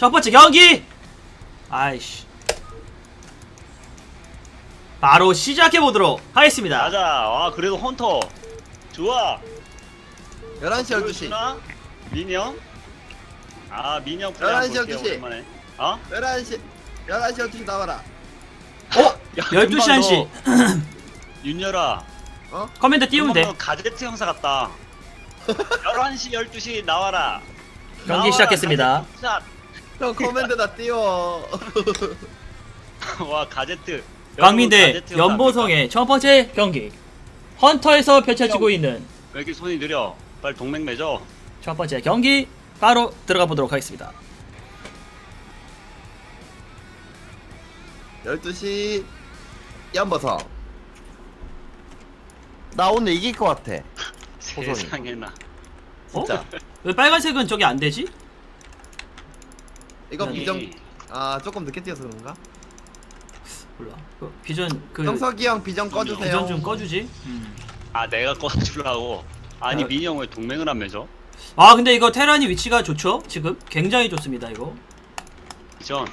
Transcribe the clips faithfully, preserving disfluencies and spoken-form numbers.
첫 번째 경기! 아이씨. 바로 시작해보도록 하겠습니다. 가자. 와, 그래도 헌터. 좋아. 열한 시, 열두 시. 민영? 아, 민영 플레이 열한 시, 한번 볼게요, 열두 시. 오랜만에. 어? 열한 시, 열한 시, 열두 시 나와라. 어? 열두 시 한 시. 윤열아. 어? 커맨드 띄우면 돼. 가제트 형사 같다. 열한 시, 열두 시 나와라. 경기 나와라, 시작했습니다. 가제트 형 커맨드다 띄워. 형사. 와, 가제트. 광민 대 여러분, 가제트 형사 연보성의 첫 번째 경기. 헌터에서 펼쳐지고 있는 왜 이렇게 손이 느려? 빨리 동맹 맺어. 첫 번째 경기 바로 들어가 보도록 하겠습니다. 열두 시 연보성. 나 오늘 이길 것 같아. 호선이. 세상에나. 어? 진짜. 왜 빨간색은 저기 안 되지? 이거 아니. 비전. 아 조금 늦게 뛰어서 그런가? 몰라. 그 비전 그 형석이 형 비전 꺼주세요. 비전 좀 꺼주지. 음. 아, 내가 꺼주려고. 아니, 아. 민영 왜 동맹을 안 맺어? 아 근데 이거 테란이 위치가 좋죠? 지금 굉장히 좋습니다. 이거 비전.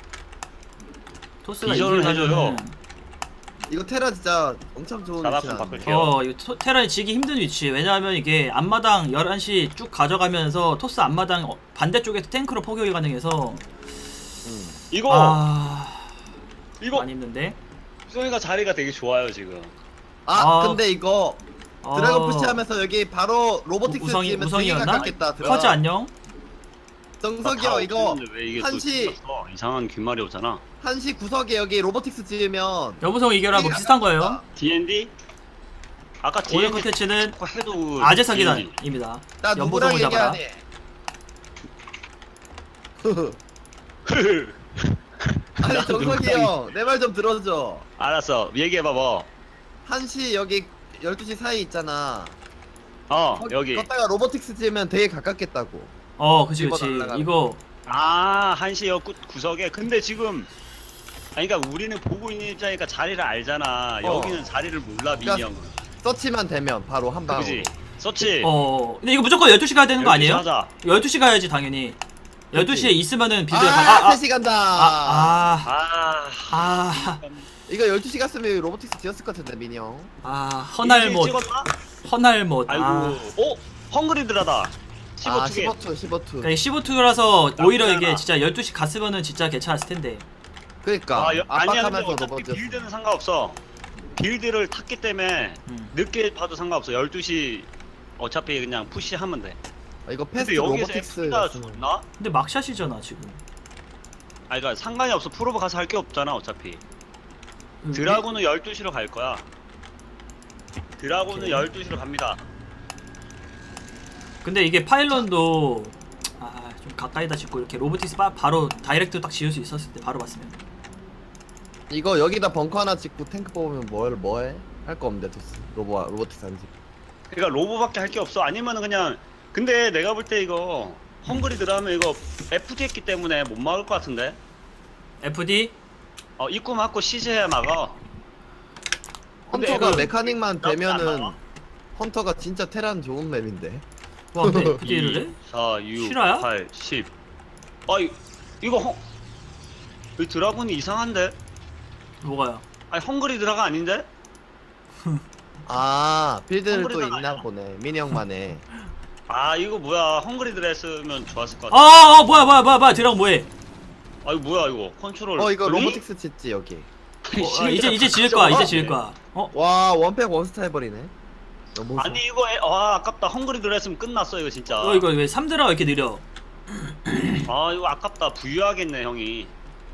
토스가 비전을 해줘요. 이거 테라 진짜 엄청 좋은 자막 위치야. 좀 바꿀게요. 어 이거 토, 테란이 지기 힘든 위치. 왜냐하면 이게 앞마당 열한 시 쭉 가져가면서 토스 앞마당 어, 반대쪽에서 탱크로 포격이 가능해서 응. 이거 아 이거 많이 힘든데. 수성이가 자리가 되게 좋아요 지금. 아, 아. 근데 이거 어, 드래곤 푸시하면서 여기 바로 로보틱스 우성이 뛰면 되게 우성이었나? 가깝겠다. 커즈 안녕. 정석이 형 이거 왜 이게 또 한시 찍혔어? 이상한 귓말이 오잖아. 한시 구석에 여기 로보틱스 지으면 여보성 이겨라 뭐 비슷한 거예요. 디엔디? 아까 오늘 디엔디 컨텐츠는 해도 아재 디엔디. 사기단입니다. 나 누구랑 연보성을 잡아라. 얘기하니? 아니 나도 정석이 누구랑 형 내 말 좀 들어줘. 알았어, 얘기해봐 뭐. 한시 여기 열두 시 사이 있잖아. 어 거기 여기. 걷다가 로보틱스 지으면 되게 가깝겠다고. 어 그치 집어 그치. 날라가는 이거 아 한시 역 구석에. 근데 지금 아니 그러니까 우리는 보고 있는 입장이니까 자리를 알잖아. 어. 여기는 자리를 몰라 민이 그러니까 형은. 서치만 되면 바로 한 방으로. 그지? 서치. 어 근데 이거 무조건 열두 시 가야 되는 거 열두 시 아니에요? 하자. 열두 시 가야지 당연히. 열두 시에 있으면은 빌드 아, 가- 아, 세 시 간다. 아, 아, 아. 아, 이거 열두 시 갔으면 로보틱스 지었을 것 같은데 민이 형. 아, 허날못, 찍었나? 허날못. 아이고. 아, 어? 헝그리드라다. 십오 아 투게. 십오 투 십오 투. 그러니까 십오 투라서 오히려 나쁘지 이게 않아. 진짜 열두 시 갔으면은 진짜 괜찮았을 텐데. 그러니까 아, 여, 아니야 근데 압박하면서 어차피 로보 지었어. 빌드는 상관없어. 빌드를 탔기 때문에 음. 늦게 봐도 상관없어. 열두 시 어차피 그냥 푸시하면 돼. 아, 이거 근데 패스트 여기서 로보틱스 에프가 좋나? 근데 막샷이잖아 지금. 아니 그니까 상관이 없어. 프로브 가서 할 게 없잖아 어차피. 음, 드라군은 열두 시로 갈 거야. 드라군은 오케이. 열두 시로 갑니다. 근데 이게 파일런도 아, 좀 가까이다 짓고 이렇게 로보틱스 바, 바로 다이렉트 딱 지을 수 있었을 때 바로 봤으면. 이거 여기다 벙커 하나 짓고 탱크 뽑으면 뭘 뭐해? 할 거 없는데 토스. 로보 로보틱스 안 짓고. 그러니까 로보밖에 할 게 없어. 아니면은 그냥 근데 내가 볼 때 이거 헝그리드 하면 이거 에프디 했기 때문에 못 막을 것 같은데. 에프디? 어 입구 막고 시즈해야 막아. 근데 헌터가 애들 메카닉만 나쁘지 되면은 않아. 헌터가 진짜 테란 좋은 맵인데. 와 근데 에프디를 해? 사, 육, 실화야? 팔, 십. 아 이, 이거 헝... 이 드라군이 이상한데? 뭐가요? 아니 헝그리드라가 아닌데? 아 빌드를 또 헝그리드가 있나 아니야. 보네. 민이 형만에. 아 이거 뭐야 헝그리드라 했으면 좋았을 것 아, 같아. 아 뭐야 뭐야 뭐야 뭐야 드라곤 뭐해? 아 이거 뭐야 이거 컨트롤 어 이거 돌리? 로보틱스 짓지 여기. 어, 아, 이제 이제 지을 거야 이제 지을 거야. 어? 와 원팩 원스타 해버리네. 너무 아니 이거 에, 와 아깝다. 헝그리드라 했으면 끝났어 이거 진짜. 어 이거 왜 삼 드라가 이렇게 느려? 아 이거 아깝다. 부유하겠네 형이.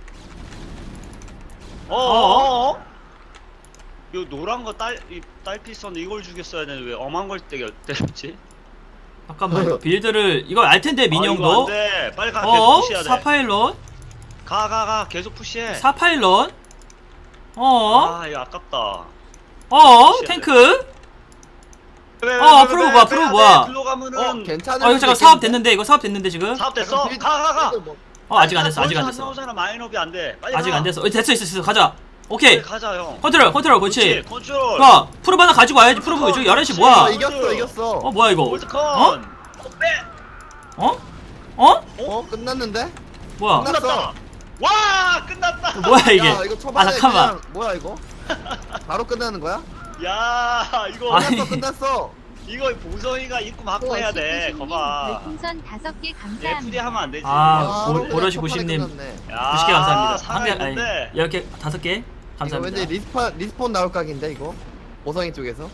어? 어어어? 요 노란 거 딸 이 딸피선 이걸 죽였어야 되는데 왜 엄한 걸 때려 때렸지? 잠깐만 이거 빌드를 이거 알 텐데 아, 이거 민영도. 안 돼. 빨리 가. 계속 어? 푸시해야 돼. 사파일런? 가 가 가 계속 푸시해. 사파일런? 어? 아 이거 아깝다. 어? 푸시해야 ቴ크? 왜, 왜, 어, 왜, 왜, 프로브 왜, 뭐야, 왜, 프로브 왜, 뭐야. 글로 가면은 어 괜찮은. 어 이거 잠깐 사업 됐는데 이거 사업 됐는데 지금? 사업 됐어. 가 가 가. 어 아직 안 됐어 아직 안 됐어 나오잖아. 마인업이 안 돼. 빨리 아직 가. 안 됐어. 어, 됐어 있어 있어 가자. 오케이 빨리 가자 형. 컨트롤 컨트롤 그렇지. 컨트롤. 봐 프로브 하나 가지고 와야지. 프로브 저기 열한 시 아 뭐야? 이겼어 이겼어. 어 뭐야 이거? 올드컨. 어? 어? 빼. 어? 어? 어 끝났는데? 뭐야? 끝났다. 와 끝났다. 뭐야 이게? 야 이거 초반에 아 잠깐만. 그냥 뭐야 이거? 바로 끝나는 거야? 야 이거 아니. 끝났어 끝났어. 이거 보성이가 입구 막고 해야 돼. 거봐. 별풍선 다섯 개 에프디 감사합니다. 하면 안 되지. 아, 보- 그냥 보러시 초반에 구십님. 끝났네. 야, 구십 개 감사합니다. 한 개, 아니, 살아있는데. 열 개, 다섯 개 이거 감사합니다. 왠지 리스폰 리스폰 나올 각인데 이거 보성이 쪽에서.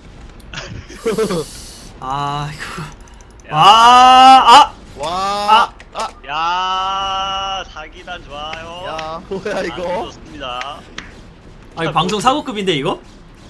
아 이거. 야. 아, 와. 아. 야 사기단 좋아요. 야 뭐야 아주 이거? 좋습니다. 아, 아 이거 방송 사고급인데 이거?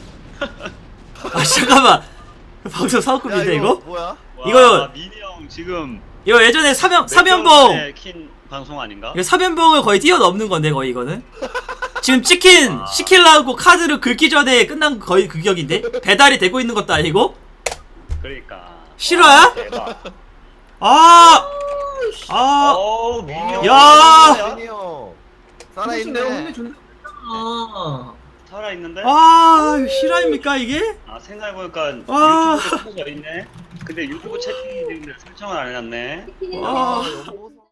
아 잠깐만. 방송 야 사고급인데 이거? 뭐야? 와, 이거- 민이 형 지금 이거 예전에 사면 몇 사면봉. 개월 전에 킨 방송 아닌가? 이거 사면봉을 거의 뛰어넘는 건데 거의 이거는. 지금 치킨 아. 시킬라고 카드를 긁기 전에 끝난 거의 그 격인데 배달이 되고 있는 것도 아니고. 그러니까. 실화야? 대박. 아, 아, 어우 민이 형. 야. 민이 형. 내가 오늘 살아있네. 존나 아 살아 있는데? 아, 이거 실화입니까 이게? 아 생각해보니까 와. 유튜브에 켜져 있네. 근데 유튜브 채팅이 있는데 설정을 안 해놨네. 치킨은 와. 아, 여보.